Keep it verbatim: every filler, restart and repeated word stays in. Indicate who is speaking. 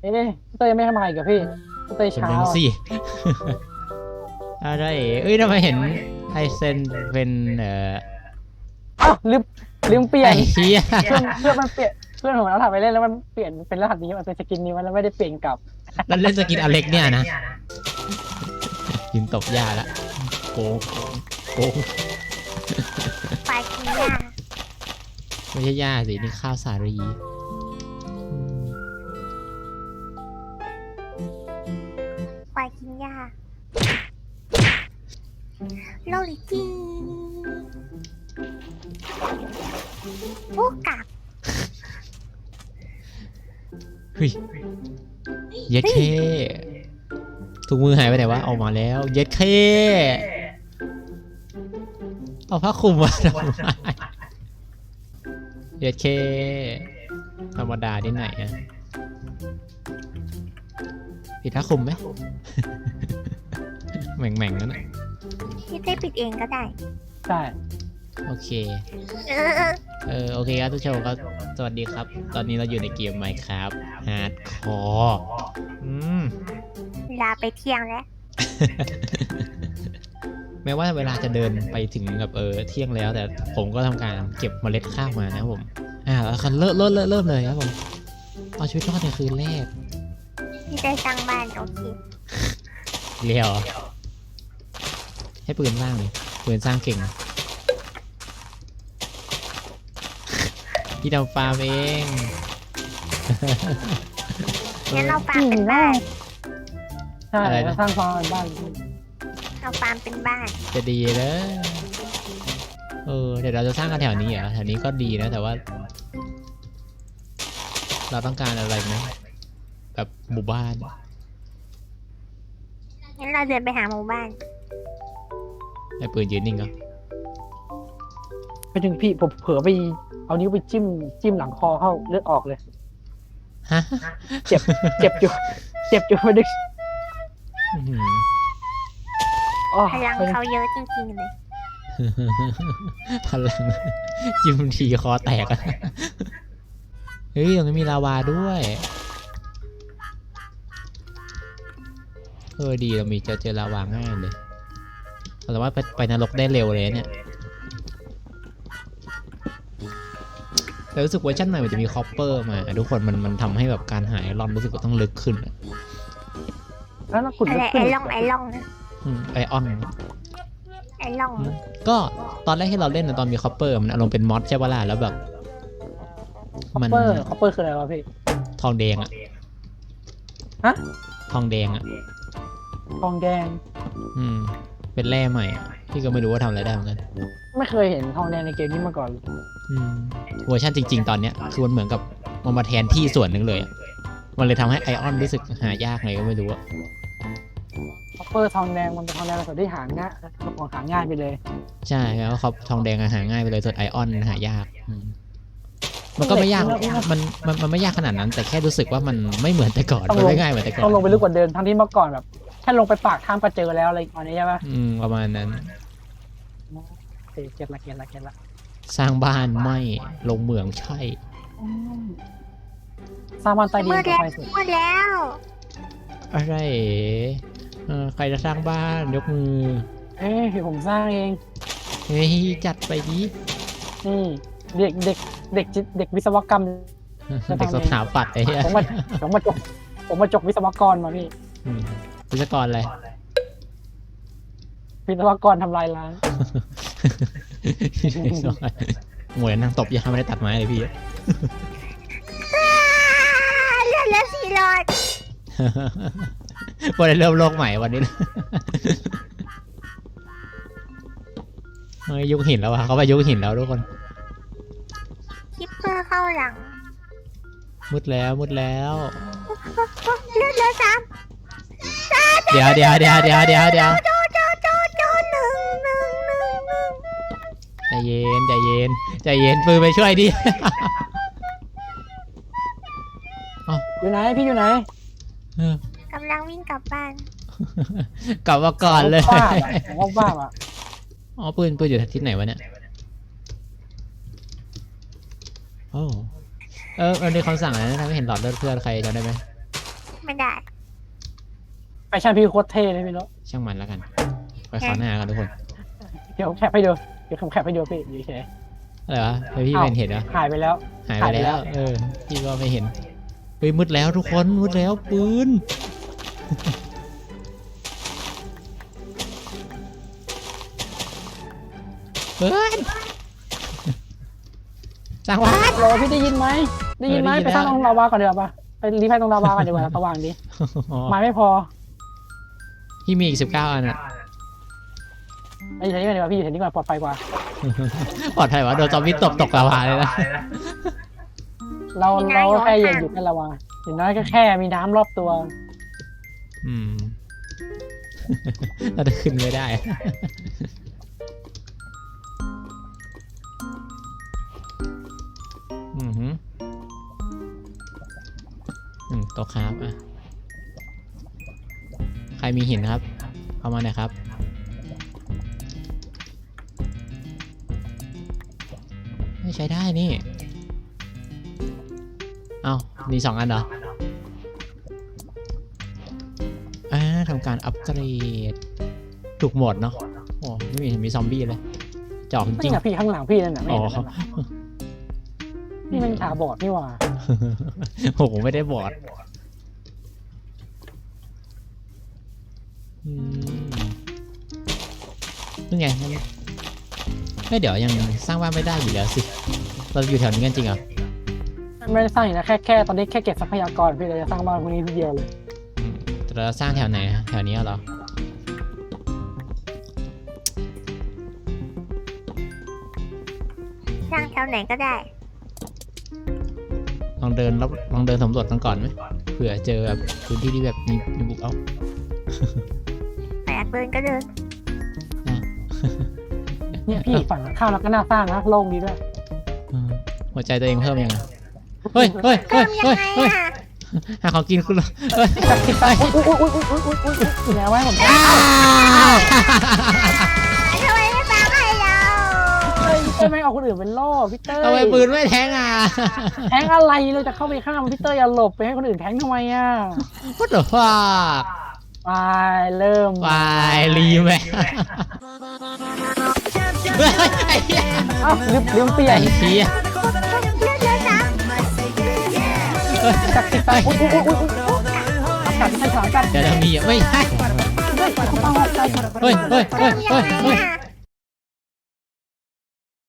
Speaker 1: เอ๊ะพี่เต้ยไม่ทำอะไรกับพี่พี่เต้ย
Speaker 2: เป็น
Speaker 1: เช้า
Speaker 2: เรื่องสิอะไรเอ้ยทำไมเห็นไอเซนเป็นเอ่อ
Speaker 1: อ้าวลืมลืมเปลี่ย
Speaker 2: ไอ้
Speaker 1: น
Speaker 2: เหี้ย
Speaker 1: เพื่อนเพื่อนมันเปลี่ยนเพื่อนผมเอาถ่ายไปเล่นแล้วมันเปลี่ยนเป็นรหัสนี้มันเป็นสกินนี้มันแล้วไม่ได้เปลี่ยนกลับ
Speaker 2: แล้วเล่นสกินอเล็กเนี่ยนะยิงตบหญ้าละโกงโกง
Speaker 3: ปลากินหญ้า
Speaker 2: ไม่ใช่หญ้าสินี่ข้าวสาลีอืม
Speaker 3: ปลากินหญ้าโลลิจีโอ้กลับ
Speaker 2: เฮ้ยเย็ดเคถุงมือหายไปไหนวะออกมาแล้วเย็ดเคเอาผ้าคลุมมาทำไมเย็ดเคธรรมดาที่ไหนอะปิดผ้าคลุมไหม แหม่งแหม่งๆนั่นน่ะ
Speaker 3: พี่เต้ปิดเองก็ได้
Speaker 1: ใช่
Speaker 2: โอเค
Speaker 3: เออ
Speaker 2: เออโอเคครับทุกชมก็สวัสดีครับ ตอนนี้เราอยู่ในเกม Minecraft Hardcore อืม
Speaker 3: ลาไปเที่ยงแล้ว
Speaker 2: แม้ว่าเวลาจะเดินไปถึงแบบเออเที่ยงแล้ว แต่ผมก็ทำการเก็บเมล็ดข้าวมานะครับผม อ่าแล้วคันเริ่มเริ่มเริ่มเริ่มเลยครับผมเอาชีวิตรอดในคืนแรก
Speaker 3: พี่เต้สร้างบ้านโอเค
Speaker 2: เรียวให้ปืนสร้างเลยปืนสร้างเก่ง พี่ทำฟาร์มเอง
Speaker 3: งั้นเราฟาร์มเป็นบ้าน
Speaker 1: ใช่
Speaker 2: อะไรนะ
Speaker 1: แล้วสร้างความเป็นบ้าน
Speaker 3: เราฟาร์มเป็นบ้าน
Speaker 2: จะดีเลยเออเดี๋ยวเราจะสร้างกันแถวนี้เหรอแถวนี้ก็ดีนะแต่ว่า เราต้องการอะไรไหมแบบหมู่บ้าน
Speaker 3: งั้นเราเดินไปหาหมู่บ้าน
Speaker 2: ไอ้ปืนยืนนิ่งก็
Speaker 1: ไปถึงพี่ผมเผลอไปเอานิ้วไปจิ้มจิ้มหลังคอเข้าเลือดออกเลย
Speaker 2: ฮะ
Speaker 1: เจ็บเจ็บอยู่เจ็บอยู่ไม่ได้
Speaker 2: อื้อหือ
Speaker 1: อ๋อ
Speaker 3: พลังเขาเยอะจริงๆเลย
Speaker 2: พลังจิ้มทีคอแตกอะเฮ้ยตรงนี้มีลาวาด้วยเออดีเรามีเจอเจอลาวาง่ายเลยเราสามารถไปไปนรกได้เร็วเลยเนี่ยแต่รู้สึกเวอร์ชันใหม่มันจะมีคอปเปอร์มาทุกคนมันมันทำให้แบบการหาไอรอนรู้สึกว่าต้องลึกขึ้นอะ
Speaker 1: แล้วเราขุด
Speaker 3: อะไร
Speaker 1: ลึก
Speaker 3: ไอ
Speaker 1: ขึ้น
Speaker 3: ล่องไอล่องนะ
Speaker 2: อืมไอออน
Speaker 3: ไอล่อง
Speaker 2: ก็ตอนแรกที่เราเล่นนะตอนมีคอปเปอร์มันอารมณ์เป็นมอดใช่ปะล่ะแล้วแบบ
Speaker 1: คอป
Speaker 2: มัน
Speaker 1: เปอร์คอปเปอร์คืออะไรวะพี่
Speaker 2: ทองแดงอะ
Speaker 1: ฮะ
Speaker 2: ทองแดงอะ
Speaker 1: ทองแดง
Speaker 2: อืมเป็นแร่ใหม่อะพี่ก็ไม่รู้ว่าทำอะไรได้เหมือนกัน
Speaker 1: ไม่เคยเห็นทองแดงในเกมนี้มาก่อนเลย
Speaker 2: อืมเวอร์ชันจริง ๆ ตอนเนี้ยคือมันเหมือนกับมันมาแทนที่ส่วนหนึ่งเลยอะมันเลยทำให้ไอออนรู้สึกหายากไงก็ไม่รู้อะ
Speaker 1: คอปเปอร์ทองแดงมันเป็นทองแดงส่วนที่หาง่ายของหาง่ายไปเลย
Speaker 2: ใช่แล้วเขาทองแดงอะหาง่ายไปเลยส่วนไอออนหายากอืมมันก็ไม่ยากมันมันมันไม่ยากขนาดนั้น แต่แค่รู้สึกว่ามันไม่เหมือนแต่ก่อนมันไม่ง่ายเหมือนแต่ก่อน
Speaker 1: ต้องลงไปลึกกว่าเดิมทั้งที่เมื่อก่อนแบบแค่ลงไปปากทางก็เจอแล้วอะไรอันนี้ใช่ปะ
Speaker 2: อืมประมาณนั้น
Speaker 1: โอเคเก็ตละเก็ตละเก็ตละ
Speaker 2: สร้างบ้านไม่ลงเหมืองใช่
Speaker 1: อืมสร้างบ้านใต้ดิน
Speaker 3: มืด
Speaker 1: ก็
Speaker 3: แล้ว
Speaker 1: ไปสุด
Speaker 3: มืดแล้ว
Speaker 2: อะไรเออใครจะสร้างบ้านยกมือ
Speaker 1: เอ้ยผมสร้างเอง
Speaker 2: เฮ้ยจัดไปดิ
Speaker 1: นี่เด็กเด็กเด็กจิเด็กวิศวกรรม
Speaker 2: เด็กสถาปัตย์ไอ้เหี้ย
Speaker 1: ผมมาผมมาจบผมมาจบวิศวกรมาพี่
Speaker 2: อืมวิศวกรอะไร
Speaker 1: วิศวกรทำลายล้าง
Speaker 2: หมวยนั่งตบยาไม่ได้ตัดไม้เลยพี่
Speaker 3: อ้าเลือดเหลือสี่หลอด
Speaker 2: วันนี้เริ่มโลกใหม่วันนี้ เฮ้ยยุคหินแล้ววะเขาไปยุคหินแล้วทุกคน
Speaker 3: คิปเปอร์เข้าหลัง
Speaker 2: มืดแล้วมืดแล้ว
Speaker 3: เลือดเหลือสาม
Speaker 2: เดี๋ยวเดี๋ยวเดี๋ยวเดี๋ยวเดี๋ยวเดี๋ยว
Speaker 3: โจโจโจโจหนึ่งหนึ่งหนึ่งหนึ่ง
Speaker 2: ใจเย็นใจเย็นใจเย็นปืนไปช่วยดิ
Speaker 1: อยู่ไหนพี่อยู่ไหน
Speaker 2: เออก
Speaker 3: ำลังวิ่งกลับบ้าน
Speaker 2: กลับมาก่อนเลย
Speaker 1: บ้าอะผมว่าบ้าอ่ะ
Speaker 2: อ๋อปืนปืนอยู่ที่ไหนวะเนี่ยโอ้เออมันมีคำสั่งอะไรนะทำให้เห็นหลอดเลือดเพื่อนใครจำได้ไหม
Speaker 3: ไม่ได้
Speaker 1: แฟชั่นพี่โคตรเท่เลยพี่โน้ต
Speaker 2: ช่างมันแล้วกัน ไปขอหน้ากันทุกคน
Speaker 1: เดี๋ยวผมแคปให้ดูเดี๋ยวผมแคปให้ดูพี่อยู่เฉย
Speaker 2: อะไรวะเฮ้ยพี่ไม่เห็นเหรอ
Speaker 1: หายไปแล้ว
Speaker 2: หายไปแล้ว เออ พี่ก็ไม่เห็น เฮ้ยมืดแล้วทุกคน มืดแล้วปืน ปืนจังหวะ
Speaker 1: โรพี่ได้ยินไหมได้ยินไหม
Speaker 2: เออได้ยิน
Speaker 1: ไปสร้าง
Speaker 2: แล้ว
Speaker 1: ตรงลาวาก่อนเดี๋ยวาปะไปรีไฟตรงลาวาก่อนดีกว่าสว่างดีไม้ไม่พอ
Speaker 2: พี่มีอีกสิบเก้าอันอะ
Speaker 1: ไปอยู่แถวนี้ก่อนดีกว่าพี่อยู่แถวนี้ก่อนปลอดภัยกว่า
Speaker 2: ปลอดภัยวะโดนซอมบี้ตบตกลาวาเลยนะ
Speaker 1: เราเราแค่อยู่อยู่แค่ลาวาอย่างน้อยก็แค่มีน้ำรอบตัว
Speaker 2: อืม เราจะขึ้นไม่ได้ อือหืออืมโต๊ะครับอ่ะ ใครมีหินครับ เข้ามาหน่อยครับ ไม่ใช้ได้นี่ เอ้ามีสองอันเหรอ อ่าทำการอัปเกรดถูกหมดเนาะ โอ้ไม่มีเห็นมีซอมบี้เลยจอกจ
Speaker 1: นี่
Speaker 2: ริง
Speaker 1: ไงพี่ข้างหลังพี่นั่นน่ะไม่
Speaker 2: อ๋อ
Speaker 1: เห็นนั่นน่ะนี่มันขาบอดนี่หว่า
Speaker 2: โอ้โหไม่ได้บอดอืมนี่ไงงั้นไม่เดี๋ยวยังสร้างบ้านไม่ได้อยู่แล้วสิ เราอยู่แถวนี้กันจริงเหรอ
Speaker 1: ไม่ได้สร้างอย่างนะแค่แค่ตอนนี้แค่เก็บทรัพยากรพี่เลยจะสร้างบ้านพวกนี้ทีเดียวเลย
Speaker 2: อืมแต่เราสร้างแถวไหนอะแถวนี้เหรอ
Speaker 3: สร้างแถวไหนก็ได้
Speaker 2: ลองเดินรอบลองเดินสำรวจกันก่อนไหมเผื่อเจอแบบพื้นที่ที่แบบมีมีบุกเอา
Speaker 3: แปดเดินก็เดิน
Speaker 1: เนี่ยพี่ฝั่งข้าวแล้วก็น่าสร้างนะโล่งดีด้วย
Speaker 2: อืมหัวใจตัวเองเพิ่มยังไงเฮ้ยเฮ้ย
Speaker 3: เพิ่
Speaker 2: เฮ้ย
Speaker 3: มยัง
Speaker 2: เฮ้ย
Speaker 3: ไง
Speaker 2: เฮ้ย
Speaker 3: อ่ะ
Speaker 2: หาของกินคุณเหรอเฮ้ย
Speaker 1: จับติดไปอุ้ยอุ้ยอุ้ยอุ้ยอุ้ยอุ้ยอุ้ยแล้วไว้ผม
Speaker 2: อ้าว
Speaker 3: ทำไมไม่ฟังให้เรา
Speaker 1: เฮ้ยเต้ยไม่เอาคนอื่นเป็นล่อพี่เต้ย
Speaker 2: ทำไมปืนไม่แทงอ่ะ
Speaker 1: แทงอะไรเราจะเข้าไปฆ่ามันพี่เต้ยอย่าหลบไปให้คนอื่นแทงทำไมอ่ะ
Speaker 2: What the fuck
Speaker 1: ไปเริ่ม
Speaker 2: ไปรีแมเฮ้ยไอ้เหี้ย
Speaker 1: เอ้าลืมลืมเปลี่ย
Speaker 2: ไอ้
Speaker 1: น
Speaker 2: เหี้ย
Speaker 3: เลือกเลือกนะ
Speaker 1: จับติดไปอุ้ยอุ้ยอุ้ยอุ้ยจับที่ใช้สามกัน
Speaker 2: เดี๋ยวจะมีอ่ะไม่ใช่
Speaker 1: เฮ้ยเอาเอาเอา
Speaker 2: เฮ้ยเฮ้ยเฮ้ย
Speaker 3: เพิ่มยั
Speaker 2: เฮ้
Speaker 3: ง
Speaker 2: ย
Speaker 3: ไง
Speaker 2: เฮ้ย
Speaker 3: อ่ะ